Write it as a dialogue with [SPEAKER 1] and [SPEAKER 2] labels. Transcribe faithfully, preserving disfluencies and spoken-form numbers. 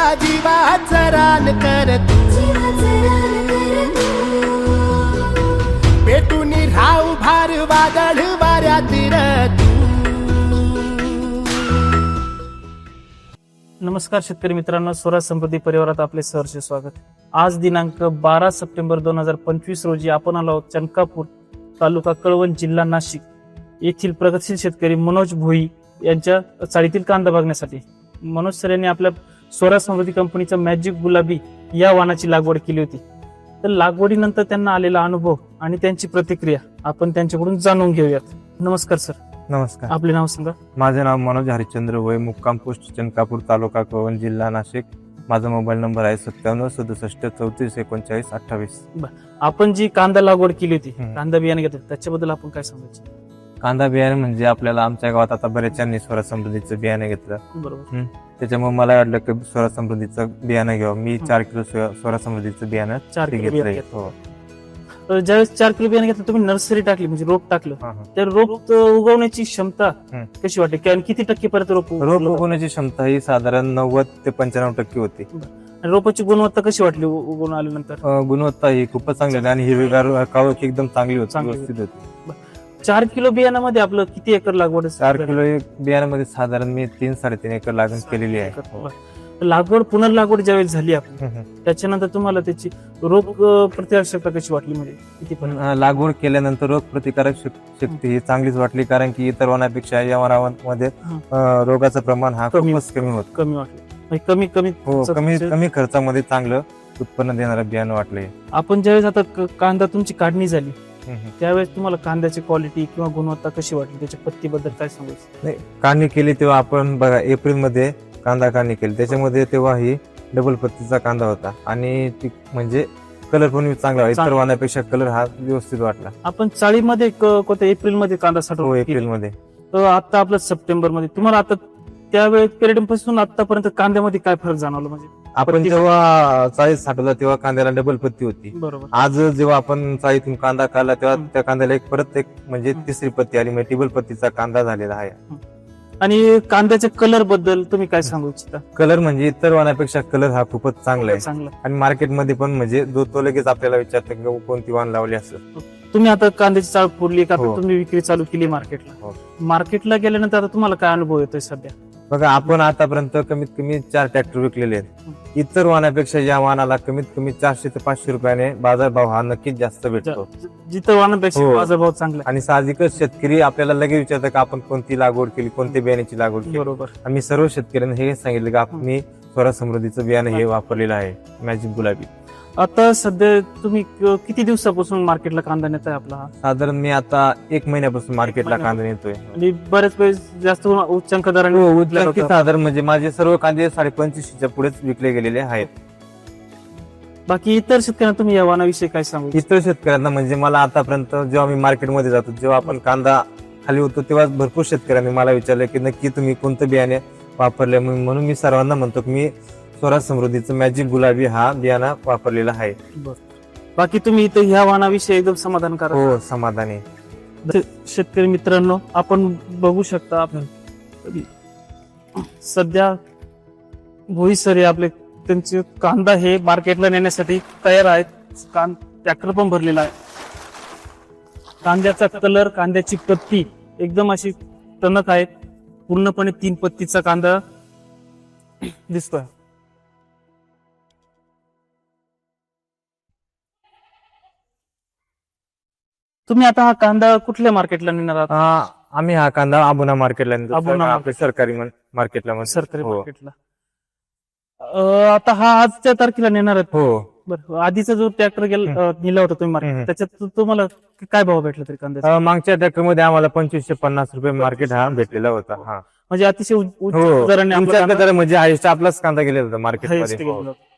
[SPEAKER 1] जीवाचं रान कर तू, पेटून राहू भार वादळ वाऱ्यातील तू.
[SPEAKER 2] नमस्कार शेतकरी मित्रांनो, स्वराज समृद्धी परिवारात आपले सहर्ष स्वागत. आज दिनांक बारा सप्टेंबर दोन हजार पंचवीस रोजी आपण आलो आहोत चनकापूर, तालुका कळवण, जिल्हा नाशिक येथील प्रगतशील शेतकरी मनोज भोई यांच्या चाळीतील कांदा बघण्यासाठी. मनोज सर यांनी आपल्या स्वराज समृद्धी कंपनीचा मॅजिक गुलाबी या वाणाची लागवड केली होती. तर लागवडीनंतर त्यांना आलेला अनुभव आणि त्यांची प्रतिक्रिया आपण त्यांच्याकडून जाणून घेऊयात. नमस्कार सर.
[SPEAKER 3] नमस्कार.
[SPEAKER 2] आपले नाव सांगा.
[SPEAKER 3] माझे नाव मनोज हरिश्चंद्र भोई, मुक्काम पोस्ट चनकापूर, तालुका कळवण, जिल्हा नाशिक. माझा मोबाईल नंबर आहे सत्त्याण्णव सदुसष्ट चौतीस एकोणचाळीस अठ्ठावीस.
[SPEAKER 2] आपण जी कांदा लागवड केली होती, कांदा बियाणे घेतलं, त्याच्याबद्दल आपण काय सांगायचं?
[SPEAKER 3] कांदा बियाणे म्हणजे आपल्याला आमच्या गावात आता बऱ्याचशांनी स्वराज समृद्धीचं बियाणे घेतलं.
[SPEAKER 2] बरोबर.
[SPEAKER 3] त्याच्यामुळे मला वाटलं की स्वराज समृद्धीचं बियाणं घ्यावं. मी चार किलो स्वराज समृद्धीचं बियाणं
[SPEAKER 2] चार किलो
[SPEAKER 3] घेतलंय.
[SPEAKER 2] बियाणं
[SPEAKER 3] हो.
[SPEAKER 2] तर ज्यावेळेस चार किलो बियाणे घेतलं, तुम्ही नर्सरी टाकली म्हणजे रोप टाकलं,
[SPEAKER 3] हा, हा.
[SPEAKER 2] तर रोप उगवण्याची क्षमता
[SPEAKER 3] हम्म.
[SPEAKER 2] कशी वाटते? किंवा किती टक्के पर्यंत रोप
[SPEAKER 3] रोप
[SPEAKER 2] उगवलं?
[SPEAKER 3] उगवण्याची क्षमता ही साधारण नव्वद ते पंच्याण्णव टक्के होती.
[SPEAKER 2] आणि रोपाची गुणवत्ता कशी वाटली उ- उगवून आल्यानंतर?
[SPEAKER 3] अं, गुणवत्ता ही खूपच चांगली होती आणि हिरवीगार कावक एकदम चांगली होती,
[SPEAKER 2] चांगली
[SPEAKER 3] व्यवस्थित होती.
[SPEAKER 2] चार किलो बियाण्यामध्ये आपलं किती एकर लागवड आहे?
[SPEAKER 3] चार किलो एक बियाण्यामध्ये साधारण मी तीन साडेतीन एकर लागण केलेली आहे.
[SPEAKER 2] बरं. लागवड पुनर्लागवड ज्यावेळेस झाली आपण,
[SPEAKER 3] हम्म.
[SPEAKER 2] त्याच्यानंतर तुम्हाला त्याची रोग अं, प्रतिकारक्षमता कशी वाटली? म्हणजे किती पण
[SPEAKER 3] अं, लागवड केल्यानंतर रोग प्रतिकारक शक- शक्ती ही चांगलीच वाटली, कारण की इतर वनापेक्षा या वनामध्ये
[SPEAKER 2] हं.
[SPEAKER 3] अं, रोगाचं प्रमाण हा
[SPEAKER 2] कमी-
[SPEAKER 3] खूपच कमी होत.
[SPEAKER 2] कमी वाटली? म्हणजे कमी कमी
[SPEAKER 3] हो, कमी
[SPEAKER 2] च-
[SPEAKER 3] कमी खर्चामध्ये चांगलं उत्पन्न देणारं बियाणं वाटलंय.
[SPEAKER 2] आपण ज्यावेळेस आता क- कांदा तुमची काढणी झाली, त्यावेळेस तुम्हाला कांद्याची क्वालिटी किंवा गुणवत्ता कशी वाटली? त्याच्या पत्तीबद्दल काय सांगायचं?
[SPEAKER 3] नाही, काढणी केली तेव्हा आपण बघा एप्रिल मध्ये कांदा काढणी केली, त्याच्यामध्ये तेव्हा ही डबल पत्तीचा कांदा होता आणि ती म्हणजे कलर पण चांगला होता. इतर
[SPEAKER 2] चांगला.
[SPEAKER 3] वाणापेक्षा कलर हा व्यवस्थित वाटला.
[SPEAKER 2] आपण चाळीमध्ये क- कोणत्या एप्रिल मध्ये कांदा
[SPEAKER 3] हो,
[SPEAKER 2] साठवला?
[SPEAKER 3] एप्रिल मध्ये.
[SPEAKER 2] तर आता आपलं सप्टेंबर मध्ये तुम्हाला आता त्यावेळेस पिरियड पासून आतापर्यंत कांद्यामध्ये काय फरक जाणवला? म्हणजे
[SPEAKER 3] आपण
[SPEAKER 2] पत्ती-
[SPEAKER 3] जेव्हा चाळीत साठवला तेव्हा कांद्याला डबल पत्ती होती.
[SPEAKER 2] बरोबर.
[SPEAKER 3] आज जेव्हा आपण चाळीतून कांदा काढला तेव्हा
[SPEAKER 2] हं.
[SPEAKER 3] त्या कांद्याला एक परत एक म्हणजे
[SPEAKER 2] हं.
[SPEAKER 3] तिसरी पत्ती आली, म्हणजे टिबल पत्तीचा कांदा झालेला आहे.
[SPEAKER 2] आणि कांद्याच्या कलर बद्दल तुम्ही काय सांगू इच्छिता?
[SPEAKER 3] कलर म्हणजे इतर वाणापेक्षा कलर हा खूपच चांगला आहे
[SPEAKER 2] चांगला.
[SPEAKER 3] आणि मार्केटमध्ये पण म्हणजे जो तो लगेच आपल्याला विचारतो की कोणती वाण लावली असं.
[SPEAKER 2] तुम्ही आता कांद्याची चाळ फोडली का?
[SPEAKER 3] हो.
[SPEAKER 2] तुम्ही विक्री चालू केली मार्केटला.
[SPEAKER 3] हो.
[SPEAKER 2] मार्केटला गेल्यानंतर आता तुम्हाला काय अनुभव येतोय सध्या?
[SPEAKER 3] बघा, आपण आतापर्यंत कमीत कमी चार ट्रॅक्टर विकलेले आहेत. इतर वाणापेक्षा या वाणाला कमीत कमी चारशे ते पाचशे रुपयाने बाजारभाव हा नक्कीच जास्त भेटतो.
[SPEAKER 2] ज- जिथं वाहनापेक्षा
[SPEAKER 3] हो.
[SPEAKER 2] बाजारभाव चांगला
[SPEAKER 3] आणि साहजिकच शेतकरी आपल्याला लगेच विचारतात की आपण कोणती लागवड केली, कोणत्या बियाण्याची लागवड
[SPEAKER 2] आहे.
[SPEAKER 3] केली.
[SPEAKER 2] बरोबर.
[SPEAKER 3] आम्ही सर्व शेतकऱ्यांना हे सांगितलं की आपण मी स्वराज समृद्धीचं बियाणं हे वापरलेलं आहे, मॅजिक गुलाबी.
[SPEAKER 2] आता सध्या तुम्ही क- किती दिवसापासून मार्केटला कांदा नेताय आपला हा?
[SPEAKER 3] साधारण मी आता एक महिन्यापासून मार्केटला कांदा नेतोय.
[SPEAKER 2] आणि बरेच वेळेस जास्त उच्चांक दराने
[SPEAKER 3] हो,
[SPEAKER 2] विकला
[SPEAKER 3] उच्चांकी
[SPEAKER 2] जातो.
[SPEAKER 3] साधारण म्हणजे माझे सर्व कांदे साडे पंचवीसच्या पुढेच विकले गेलेले आहेत.
[SPEAKER 2] बाकी इतर शेतकऱ्यांना तुम्ही या वाहनाविषयी काय सांगू?
[SPEAKER 3] इतर शेतकऱ्यांना म्हणजे मला आतापर्यंत जेव्हा मी मार्केटमध्ये जातो, जेव्हा आपण कांदा खाली होतो, तेव्हा भरपूर शेतकऱ्यांनी मला विचारलं की नक्की तुम्ही कोणतं बियाणे वापरले. म्हणून मी सर्वांना म्हणतो की मी स्वराज समृद्धीचं मॅजिक गुलाबी हा बियाणा वापरलेला आहे.
[SPEAKER 2] बरं. बाकी तुम्ही इथं ह्या वाहनाविषयी एकदम समाधानकारक?
[SPEAKER 3] हो, समाधानी.
[SPEAKER 2] शेतकरी मित्रांनो, आपण बघू शकता आपण सध्या भोई सर हे आपले त्यांचे कांदा हे मार्केटला नेण्यासाठी तयार आहेत. कां ट्रॅक्टर पण भरलेला आहे. कांद्याचा कलर, कांद्याची पत्ती एकदम अशी टणक आहे. पूर्णपणे तीन पत्तीचा कांदा दिसतोय. तुम्ही आता हा कांदा कुठल्या मार्केटला नेणार आहात?
[SPEAKER 3] आ, आम्ही हा कांदा आबुना मार्केटला नेतो.
[SPEAKER 2] आबुना
[SPEAKER 3] आपल्या सरकारी मन- मार्केटला म्हणतो.
[SPEAKER 2] सरकारी
[SPEAKER 3] हो.
[SPEAKER 2] मार्केटला. अं, आता हा आजच्या तारखेला नेणार आहेत.
[SPEAKER 3] हो.
[SPEAKER 2] बरं. आधीचा जो ट्रॅक्टर गेला अं, नेला होता तुम्ही मार्केट,
[SPEAKER 3] हम्म.
[SPEAKER 2] त्याच्यात तु- तुम्हाला काय भाव भेटला तरी कांद्याचा?
[SPEAKER 3] अ, मागच्या ट्रॅक्टर मध्ये आम्हाला पंचवीसशे पन्नास रुपये मार्केट हा भेटलेला होता. हा,
[SPEAKER 2] म्हणजे अतिशय उच्च
[SPEAKER 3] हो.
[SPEAKER 2] दराने आपला
[SPEAKER 3] तुमच्याकडे
[SPEAKER 2] कांदा
[SPEAKER 3] तर म्हणजे हायस्ट आपलाच कांदा गेलेला होता मार्केटमध्ये.
[SPEAKER 2] highest गेला होता.